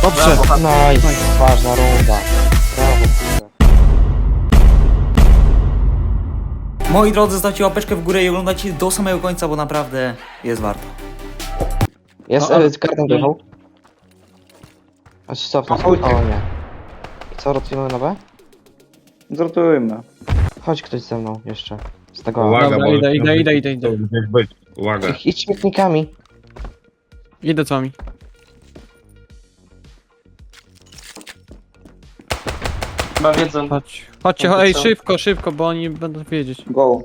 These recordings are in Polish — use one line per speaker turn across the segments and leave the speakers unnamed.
Dobrze, nice, ważna runda. Brawo, kurde.
Moi drodzy, zostawcie łapeczkę w górę i oglądajcie do samego końca, bo naprawdę jest warto.
Jest,
No,
kartę dojechał. Aż stop, o nie. I co, rotujemy na B?
Zrotujmy.
Chodź ktoś ze mną jeszcze. Z tego A.
Uwaga,
Dobra,
bo
idę.
to gdzieś być. Uwaga.
Idź śmietnikami.
Idę z wami.
Chyba wiedzą.
Chodźcie,
No to
ej,
co?
szybko, bo oni będą wiedzieć.
Go.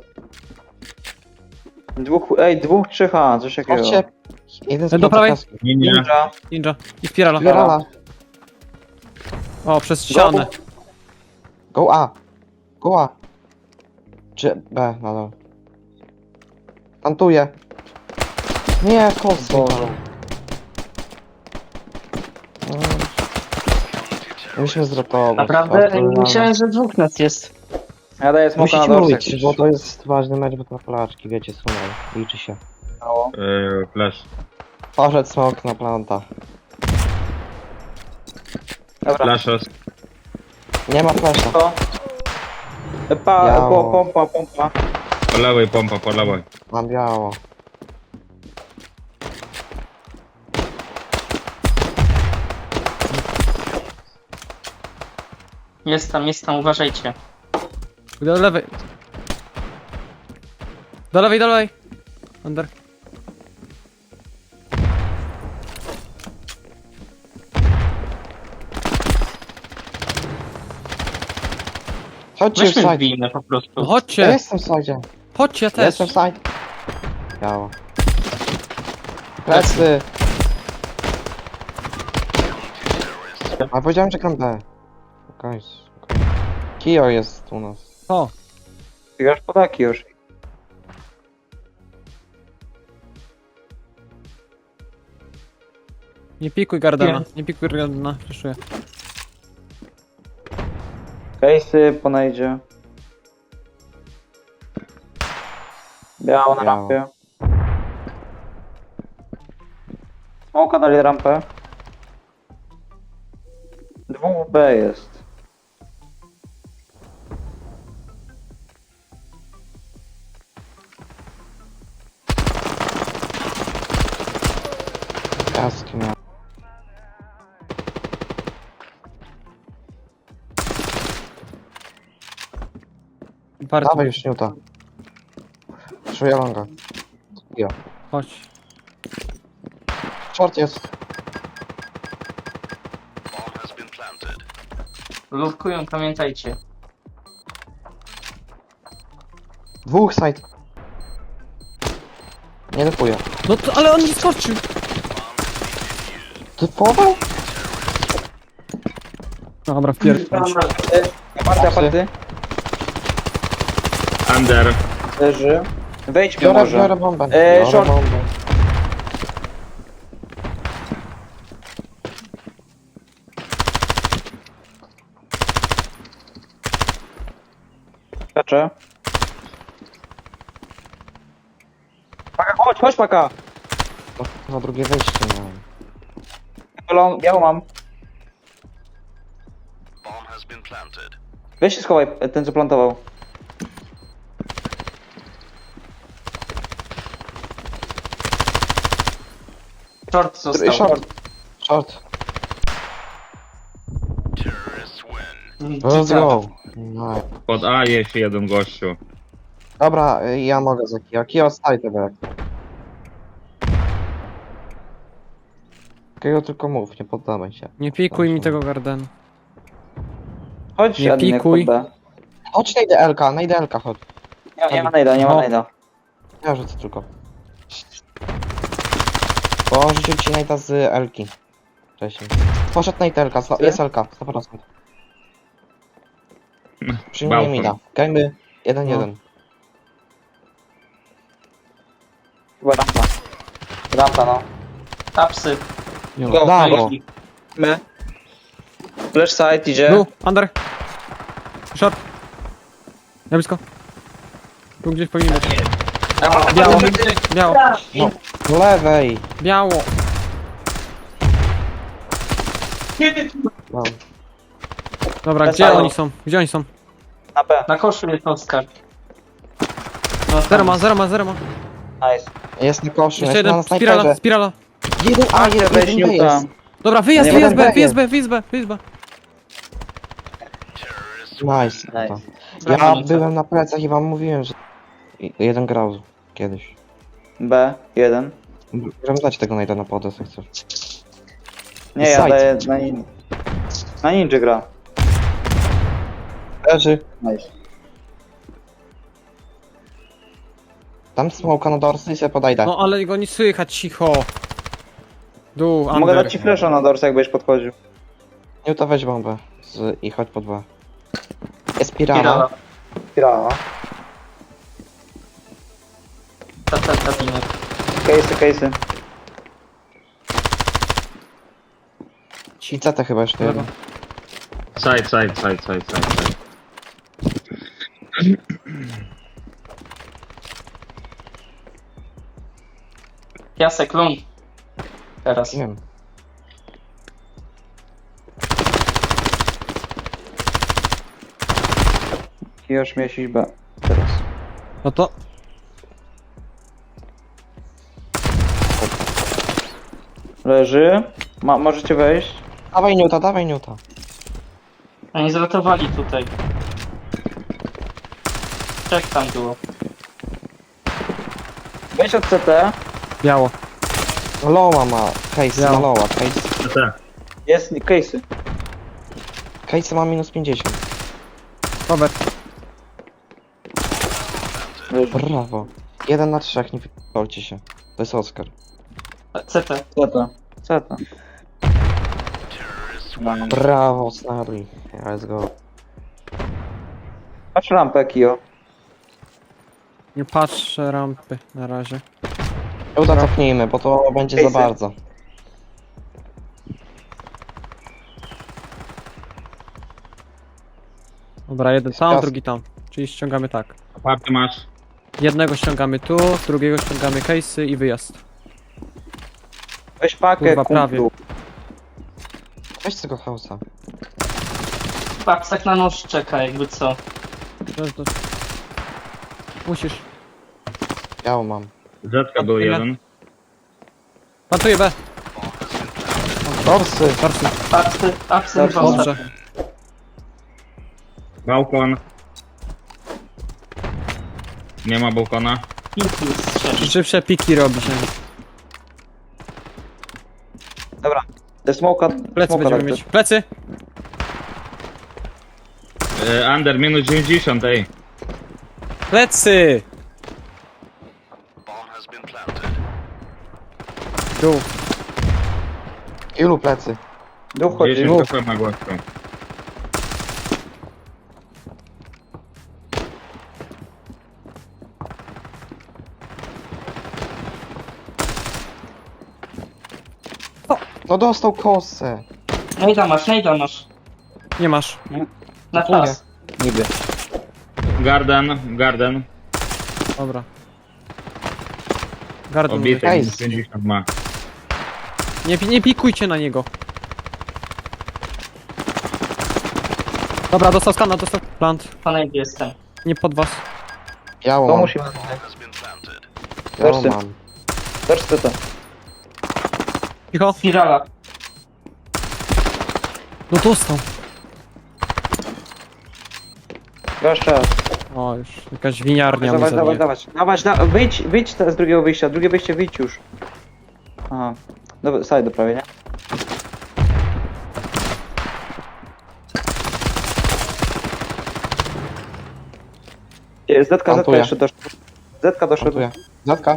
Dwóch, trzech A, coś takiego.
Chodźcie. Jeden z
Do prawej.
piątek.
Nie.
Ninja.
Ninja. I spirala.
Spirala.
O, przez ścianę.
Go A. Go A. Czy B, nadal. Plantuję. Nie, kosy.
Boże.
Musimy zrotować.
Naprawdę?
to
Myślałem, że dwóch nas jest.
Ja daję smoka na
Musicie
dorsek.
mówić, bo to jest ważny mecz, bo to na Polaczki, wiecie, sumę. Liczy się.
Mało.
Flash.
Poszedł smok na planta.
Dobra.
Flashes.
Nie ma flasha.
To.
Biało.
Pompa.
Po lewej pompa, po lewej.
Mam biało.
Jest tam, uważajcie.
Do lewej. Do lewej. Under.
Chodźcie w
Weźmy
side.
wbijmy po
No
prostu.
Ja
chodźcie.
jestem w side.
Chodźcie, ja
Ja
też.
jestem w side. Biało. Plecy. A powiedziałem, że gram B. Okej. Kio jest u nas.
O,
Biegasz podaki już.
nie pikuj Gardena. Nie pikuj Gardena. Przeszuję.
Case'y ponajdzie. Biało na
Biało.
rampie. Smoka dali rampę. Dwóch B jest.
Kaski miał.
Bardzo.
Dawaj już Newta. Czuję longa. Kio.
Chodź.
Short jest.
Lurkują, pamiętajcie.
Dwóch side. Nie lepuję.
No to, ale on nie skoczył.
Typował?
Dobra, wpierdol.
Aparty.
Under.
Leży. Wejdźmy
Biorę
może.
bombę.
Short.
Biorę bombę.
Skaczę. Paka, chodź paka.
No, na drugie wejście miałem.
Biało mam. Weź się schowaj, ten co plantował.
Short został.
Short. Short. Let's go. No.
Pod A jest jeden gościu.
Dobra, ja mogę za Kio. Kio, staj tego jak. Kio tylko mów, nie poddamy się.
Nie pikuj mi tego Gardena.
Chodź,
Nie
Adinek,
pikuj.
pod B.
Chodź, najdę LK, chodź.
Nie ma najda, nie ma
No.
najda.
Ja rzucę tylko. Bo on rzucił ci najda z Elki. Wcześniej. Poszedł najda Elka, jest Elka, 100%. Przyjmuję
Balkon.
mida. Gajmy 1-1.
Chyba rampa. Rampa, no.
Tapsy.
Go,
Dało.
My. Flash side idzie.
Tu, under. Short. Na blisko. Tu gdzieś powinien być. Biało. Biało.
No, z lewej.
Biało.
Mam.
Dobra,
Bez
gdzie
halo.
oni są? Gdzie oni są?
Na B.
Na koszu jest Oskar. No,
Zero ma, zero ma, zero ma.
Nice.
Jest na koszu,
Jeszcze
jest na
jeden,
snajperze.
spirala, spirala.
Jeden A, jeden
Weź
B
Newta.
jest.
Dobra, wyjazd,
Nie,
wyjazd
jeden
B,
B jest.
wyjazd B, wyjazd B, wyjazd B.
Nice.
Nice.
Ja
Brawo,
byłem na plecach i wam mówiłem, że jeden grał kiedyś.
B, 1.
Możemy dać tego najda na podes, jak chcesz.
Nie, ja
Side.
daję na ninja gra.
Leży.
Nice.
Tam smoka na dorsy i sobie podajdę.
No ale go nie słychać, cicho. Dół, under.
Mogę dać ci flasha na dorsa, jak będziesz podchodził.
Nie, to weź bombę i chodź po dwa. Jest spirala.
Spirala.
Spirala.
Kabinet.
Case'y.
I CT chyba jeszcze
Lewo.
jeden.
Side.
Piasek, ląd. Teraz.
Nie wiem.
Już miesiąc B. Teraz.
No to...
Leży. Możecie wejść.
Dawaj Newta.
Oni zratowali tutaj. Trzech tam było.
Wejdź od CT.
Biało.
Loła ma, case
Ja.
ma loła, case.
CT.
Jest case'y.
Case ma minus 50.
Cover.
Leży.
Brawo. 1 na 3, nie wypolcie się. To jest Oskar.
CT.
CT.
Brawo, Snarly. Let's go.
Patrz rampę, Kio.
Nie patrzę rampy na razie.
Uda cofnijmy, bo to będzie za
Case'y.
bardzo.
Dobra, jeden tam,
Skaz-
drugi tam. Czyli ściągamy tak.
Aparty masz.
Jednego ściągamy tu, drugiego ściągamy case'y i wyjazd.
Weź pakę,
Kurwa,
kumplu.
Weź tego house'a.
Papsak na nóż czeka, jakby co.
To... Musisz.
Ja mam.
Zetka był jeden.
Plantuję B.
Dorsy.
Dorsy.
Apsy
Dobrze.
Dobrze.
Balkon. Nie ma balkona.
Szybsze piki robi się.
Dobra. Te smoka.
Plecy
smoka
będziemy
dajcie.
mieć. Plecy!
Under minus 90, ej.
Plecy! Dół.
Ilu plecy?
Duch chodzi.
10
Mów.
HP na gościu.
No dostał kosę.
Nejda masz.
Nie masz.
Na czas.
Niby.
Garden.
Dobra. Garden
Obity,
Ej.
minus 50 ma.
nie pikujcie na niego. Dobra, dostał skana, dostał plant.
Po nejdzie jestem.
Nie pod was.
Biało
To
mam.
musi.
Biało
Dorsy.
mam.
Dors CT.
Cicho.
Spirala.
No dostał.
Jeszcze raz.
O, już jakaś winiarnia mnie
Dawać.
zabije.
Wyjdź z drugiego wyjścia. Drugie wyjście, wyjdź już. Aha. Dobra, side prawie, nie? Zetka
Plantuję.
jeszcze doszedł. Zetka doszedł.
Plantuję. Zatka.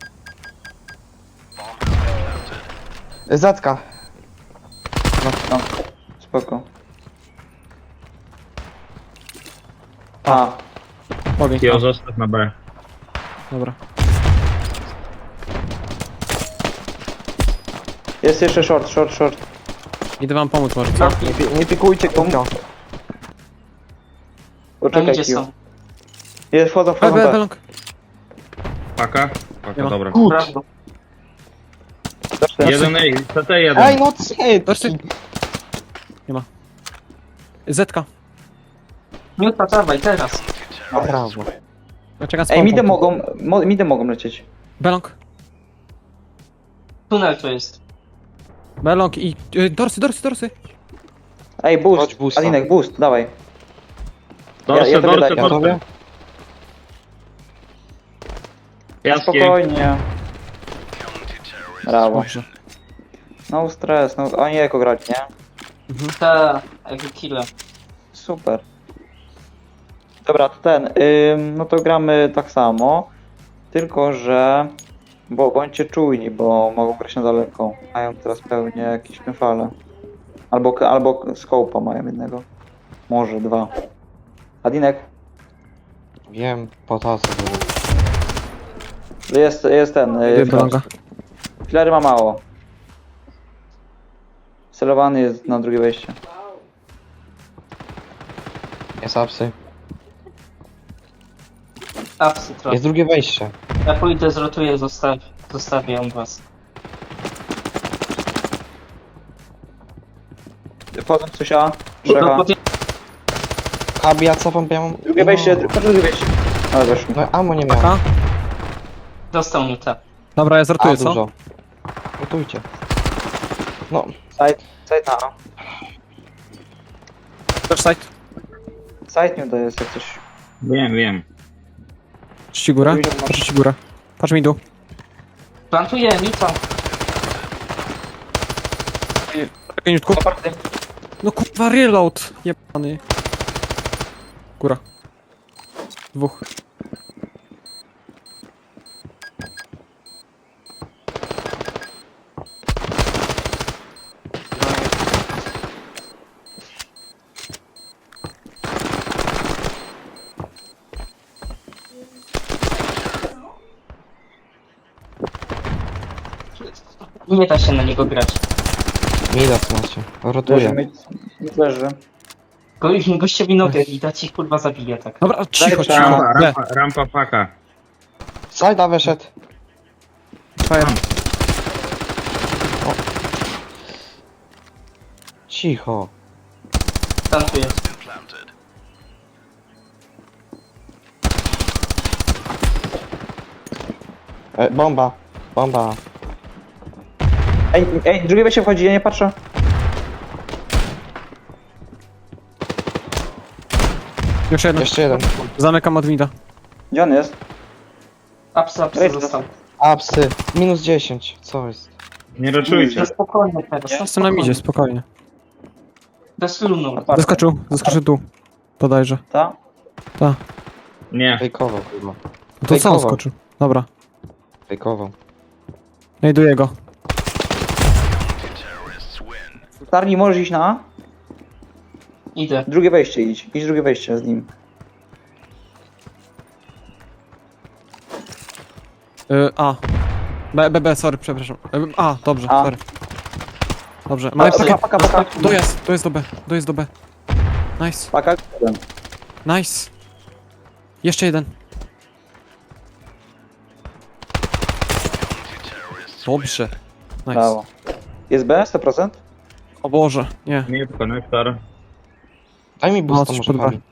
Zatka.
No, spoko. A,
Ogień.
Kio, zostaw na B.
Dobra.
jest jeszcze short.
Idę wam pomóc może, co?
Nie pikujcie Kiko.
Na
Poczekaj,
nejdzie
Q.
są.
Jest, wchodzą B.
Belong.
Paka?
Nie
Paka,
ma.
dobra.
Brawo.
Doszedł.
Jeden, ej, CT jeden.
Ej, no cyt!
Dorsy. Nie ma. Zetka.
Miuta, dawaj, teraz.
Brawo.
Ja czekam z
Ej,
pompą.
midy mogą lecieć.
Belong.
Tunel tu jest.
Belong i... dorsy.
Ej,
Chodź,
boost.
boosta.
Adinek, boost, dawaj.
Dorse,
ja tobie
dorse,
daję.
Ja
dorse.
tobie?
Jaskie.
Spokojnie. Brawo.
Dobrze.
No stres, no oni jako grać, nie?
Ta, jakby killa.
Super. Dobra, to no to gramy tak samo. Tylko, że... Bo bądźcie czujni, bo mogą grać na daleko. Mają teraz pewnie jakieś fale. Albo scope'a mają jednego. Może dwa. Adinek,
Wiem, potasy.
jest ten.
Idę belonga.
Filery ma mało. Celowany jest na drugie wejście.
Jest apsy.
Apsy trochę.
Jest drugie wejście.
Ja pójdę, zrotuję, zostawię ją was.
Wchodzą coś A.
No,
Trzeba.
Kabi, ja cofam, ja mam...
Drugie wejście,
No,
drugie wejście. Ale weszło.
no ammo nie miałem.
Paka.
Dostał miuta.
Dobra, ja zrotuję,
A,
co?
dużo. Gotujcie. No,
Side na A.
Też side.
Side nie to jest jak coś.
Wiem.
Patrz ci górę. Patrz ci górę. Patrz mi dół.
Plantuję, miuta.
Czekaj, niutku.
Aparty.
No kurwa, reload. Jebany. Góra. Dwóch.
Nie da się na niego grać.
Midas macie.
Leży,
Rotuję.
leży.
Gościowi nogę i da ci kurwa zabije tak.
Dobra, cicho,
Daj,
cicho.
Rampa paka.
Sajda wyszedł.
Fire.
Cicho.
Plantuję.
Bomba. Bomba.
Ej, drugie wejście wchodzi, ja nie patrzę.
Jeszcze jeden.
Jeszcze jeden.
Zamykam od mida.
Gdzie on jest?
Apsy
Ej,
został.
Apsy. Minus 10. Co jest?
Nie raczujcie.
To spokojnie teraz.
Jestem na midzie, spokojnie.
Bez filmu.
Aparty.
Zaskoczył tu. Podajże.
Ta?
Nie.
Fejkował chyba.
No to co on
Fejkował.
skoczył? Dobra.
Fejkował.
Znajduję go.
Tarni, możesz iść na A?
Idę.
Drugie wejście idź. Idź drugie wejście z nim.
A. B, sorry, przepraszam. A, dobrze,
A.
sorry. Dobrze, mamy
Paka,
pakę.
paka, paka.
Dojazd do B, dojazd do B. Nice,
Paka.
nice. Jeszcze jeden. Dobrze. Nice.
Brawo. Jest B? 100%?
O Boże, nie.
Nie konektor.
Daj mi boosta
coś
może
pod
Kabi.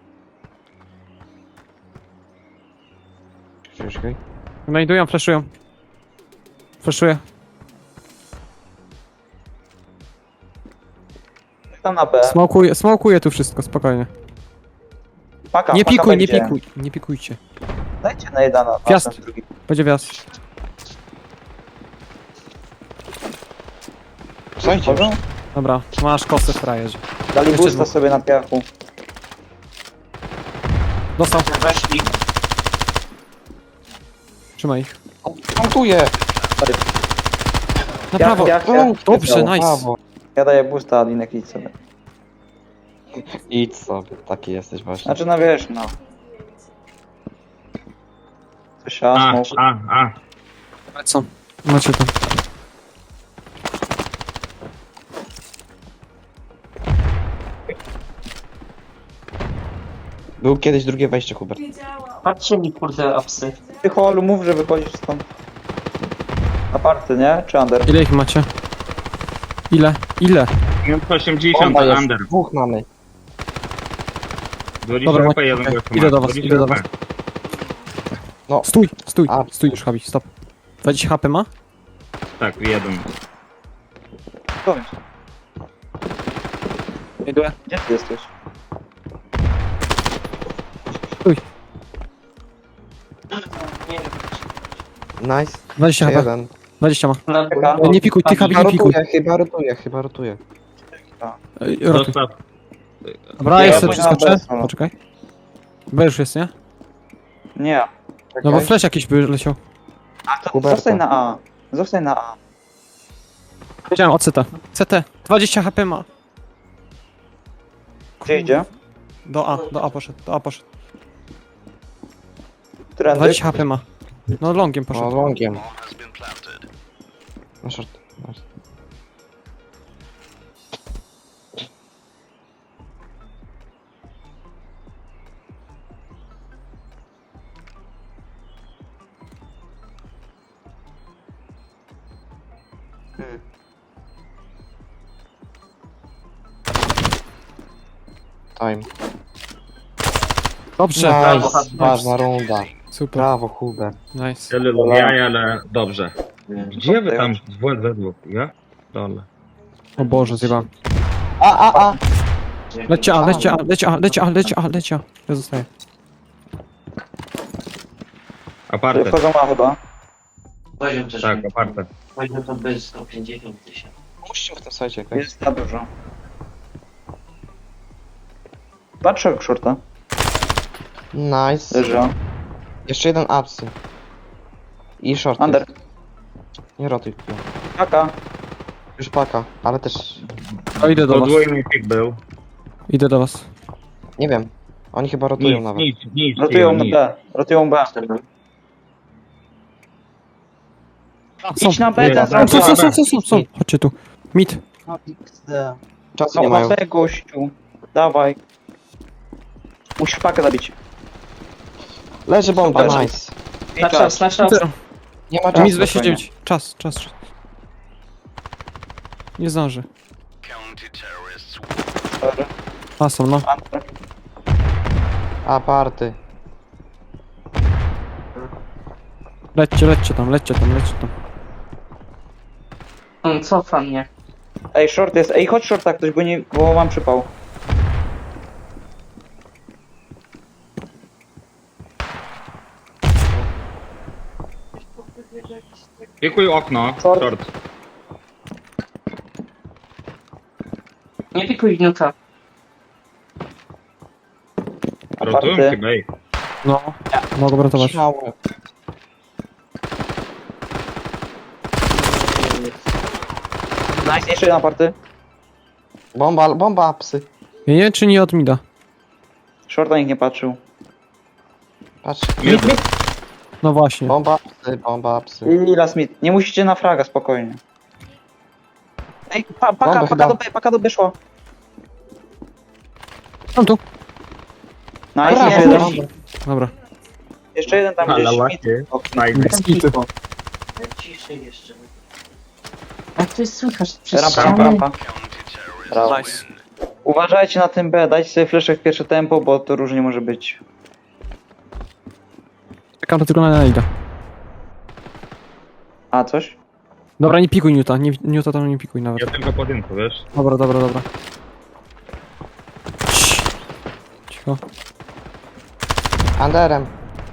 Czekaj.
Znajdują, flashują. Flashuję.
Tam na B.
Smokuję tu wszystko, spokojnie.
Paka,
Nie
paka
pikuj,
będzie.
nie pikujcie.
Dajcie na jeden, na
Gwiazd.
ten drugi.
Będzie wjazd.
Słuchajcie już.
Wchodzą?
Dobra, masz kosę w frajerze.
Dali
Jeszcze
boosta
dwóch.
sobie na piachu.
Dostał,
Weszli.
trzymaj ich.
Montuję.
Na prawo.
Ja,
Dobrze, nice.
Brawo.
Ja daję boosta, Adinek idź sobie.
Idź sobie. Taki jesteś właśnie.
Znaczy, no wiesz, no. Coś smoke.
Co? Macie to.
Był kiedyś drugie wejście, Hubert.
Patrzcie mi kurde apsy.
Ty holu, mów, że wychodzisz stąd. Aparty, nie? Czy under?
Ile ich macie? Ile?
Minus 80,
Bomba jest.
under.
Dwóch mamy.
20
Dobra,
HP, jeden
okej.
gościu
Idę
ma.
do was,
20
idę do
HP.
was. Stój, stój,
A.
stój już, Habi, stop. 20 HP ma?
Tak, jeden.
Kończ.
Idę.
Gdzie ty jesteś?
Stój.
Nice.
20 HP,
Jeden.
20 ma.
Czeka.
Nie pikuj, ty Habi, nie pikuj.
Chyba rotuje.
Rotuj.
Zostaw.
Dobra,
Nie,
jeszcze
ja
przeskoczę.
pójdę na B,
Poczekaj. B już jest, nie?
Nie.
No bo flash jakiś by leciał.
A to
Huberta.
zostań na A. Zostań na A.
Wiedziałem o CT. CT. 20 HP ma.
Gdzie idzie?
Do A poszedł, do A poszedł.
Trendy?
20 HP ma. No longiem
O,
poszedł.
longiem. Na short. Nice. Time.
Dobrze.
Nice. Ważna runda.
Super.
Brawo, Hubert.
Nice.
Tyle jaj, ale dobrze. Gdzie wy tam we dwóch? Ja? Dole.
O Boże, zjebałem.
A.
Lecie A, lecie A, lecie A, lecie A, lecie A, lecie A. Ja zostaję.
Aparte.
Wchodzą A chyba.
Poziom też.
Tak, aparte.
Poziom to bez 150 000.
Musicie w tym sajcie jakoś.
Jest za dużo. Patrzę shorta.
Nice.
Leży A.
Jeszcze jeden apsy. I short.
Under.
jest. Nie rotuj.
Paka.
Już paka, ale też...
O, idę do was.
Podwójny pik był.
Idę do was.
Nie wiem. Oni chyba rotują nawet.
Nic.
Rotują na B. Rotują B. Idź na B, ten
Są,
Są. Chodźcie tu. Mid.
Czasu
No
nie mają.
na gościu. Dawaj. Musisz pakę zabić.
Leży bomba,
Super.
nice.
I
Na czas, na czas.
Nie ma
Mid
czasu.
29. Czas. Nie zdąży.
Sorry.
A, są, no.
Under.
Aparty.
Lećcie tam.
Cofa mnie.
Ej, short jest. Ej, chodź shorta ktoś, bo mam przypał.
Pikuj okno.
Short.
Short.
Nie pikuj gniuta.
Rotują
Aparte.
chyba. Ej.
No. Mogę ratować.
Śmiało.
Nice, jeszcze jedna party.
Bomba apsy.
Ja nie wiem, czy nie od mida.
Shorta nikt nie patrzył.
Patrz.
No właśnie.
Bomba apsy.
I last mid. Nie musicie na fraga, spokojnie. Ej,
Bomba chyba.
paka do B szło.
Tam tu.
Nice,
Brawo,
jeszcze jeden.
bomba.
Dobra.
Jeszcze jeden tam
Ale
gdzieś.
ładnie.
Mid.
Fajnie.
Skity.
Ciszej jeszcze. Jak to jest słychać? Przez
Rampa,
ścianę?
rampa. Brawo.
Nice.
Uważajcie na tym B, dajcie sobie flesze w pierwsze tempo, bo to różnie może być.
Czekam to tylko na Naida.
A, coś?
Dobra, nie pikuj Newta. Newta tam nie pikuj nawet.
Ja tylko podjęto, wiesz?
Dobra. Cicho.
Underem.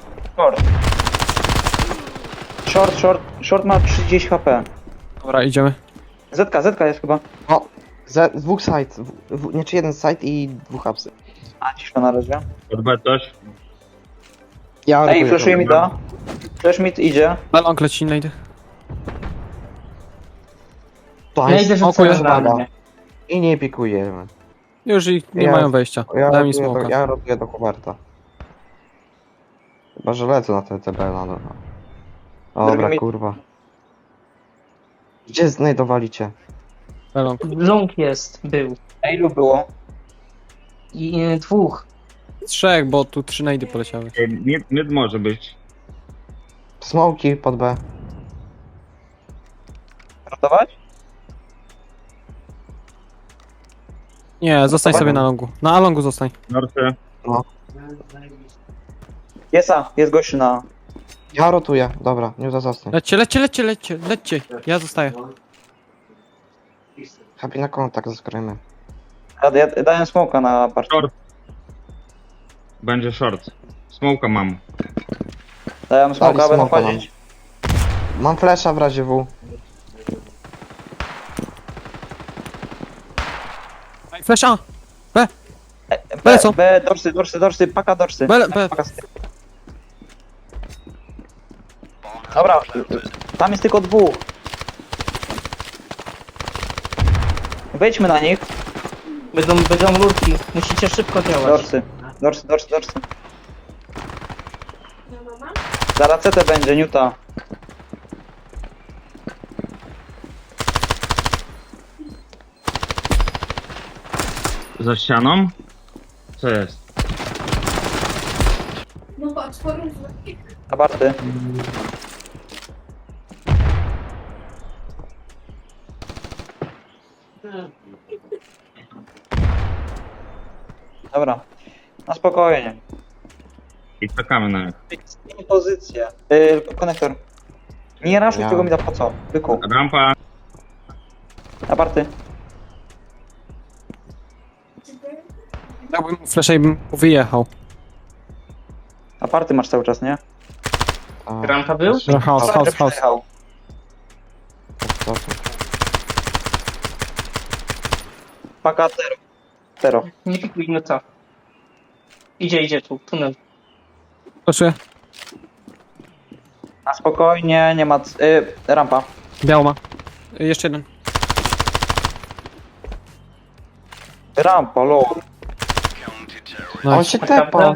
Short ma 30 HP.
Dobra, idziemy.
Zetka jest chyba.
O, z dwóch side. Nie, czy jeden side i dwóch apsy.
A, cisza na razie.
Pod B coś.
Ja
Ej,
rotuję
flashuje
to.
mi da. Flash mid idzie.
Na long leci, Nade.
To
Ja
jest
idę
spokój,
rzucę na
spada.
mnie.
I nie pikujemy.
Już ich nie
Ja-
mają wejścia. Daj mi smoka.
Ja rotuję do Huberta. Chyba, że lecę na TTB na dole. Dobra,
Drugi mi-
kurwa. Gdzie znajdowaliście?
Na long.
Long był.
Ej, ilu było?
I dwóch.
3, bo tu 3 nady poleciały.
Ej, mid może być.
Smoki pod B.
Ratować?
Nie, zostań sobie na longu. Na longu zostań.
Norsy.
Jest gościu na...
Ja rotuję, dobra, nie zostań.
Lećcie. Ja zostaję.
Happy na kontakt zaskryjmy.
Ja dałem smoka na parcie.
Short. Będzie short. Smoka mam.
Dałem smoka,
Dali
będą
smoka
wchodzić.
Mam flesza w razie W.
Flash A! B są.
B, dorsy, paka dorsy.
B.
Paka z tyłu. Dobra, tam jest tylko dwóch. Wejdźmy na nich.
Będą lurki. Musicie szybko działać.
Dorsy. Zaraz CT będzie, Newta.
Za ścianą? Co jest?
Abarty. Dobra. Na spokojnie.
I czekamy na nich.
Zmień pozycję. Konektor. Nie raszuj
Ja.
tego mi da po co? Byku.
Rampa.
Abarty.
Dałbym mu flasha i bym wyjechał.
Aparty masz cały czas, nie?
A,
Rampa był?
House.
Przejechał. Paka Tero.
Nie pikuj minuta. Idzie tu, tunel.
Proszę.
Na spokojnie, nie ma... rampa.
Biało ma. Jeszcze jeden.
Rampa, low.
On
Nice.
się tepa.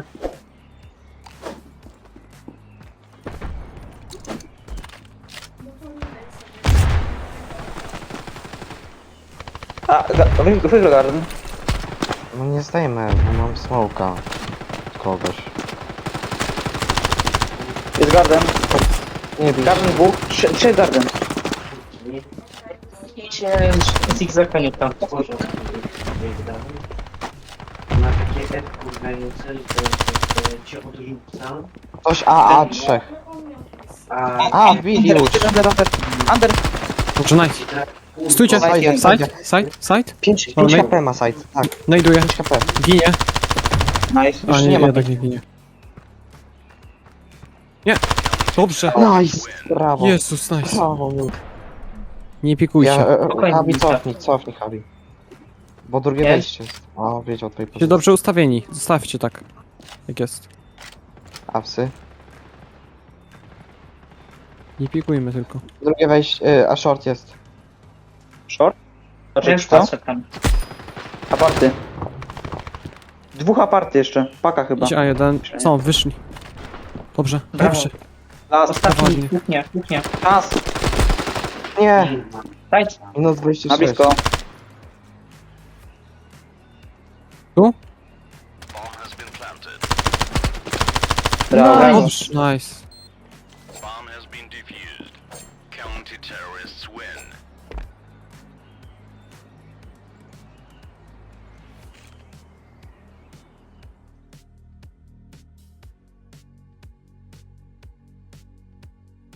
Wygrał garden.
No nie zdejmę, bo mam smoka. Kogoś.
Jest garden.
Nie bij.
Garden dwóch. Trzy garden.
Idźcie zigzaka nie tam.
Na takie kurwa nie cię odrzucam.
Ktoś A, trzech. A, widzi już.
Under.
Dobrze, nice. Stójcie.
Side,
Side.
5
Wolnej.
HP ma side, tak.
Znajduję.
5 HP.
Ginie.
Nice.
A
Już
nie,
nie ma
jednak nie ginie. Nie. Dobrze.
Nice, brawo.
Jezus, nice.
Brawo,
Nie pikuj
ja,
się.
Habi, cofnij, Habi. Bo drugie
Jest.
wejście jest. O, wiedział o twojej
Się
pozycji.
dobrze ustawieni. Zostawcie tak. Jak jest.
Awsy.
Nie pikujmy tylko.
Drugie wejście, a short jest.
Short.
Ja
Znaczy
już
co?
patrzę tam.
Aparty. Dwóch aparty jeszcze. Paka chyba.
Idź A1. Co, wyszli. Dobrze,
Brawo.
dobrze.
Last.
Ostatni, kuchnia.
Czas.
Nie,
Dajcie.
minus
Na
26.
blisko.
Tu?
Brawo.
Dobrze, nice.
Bomb has been defused. Counter-terrorists win.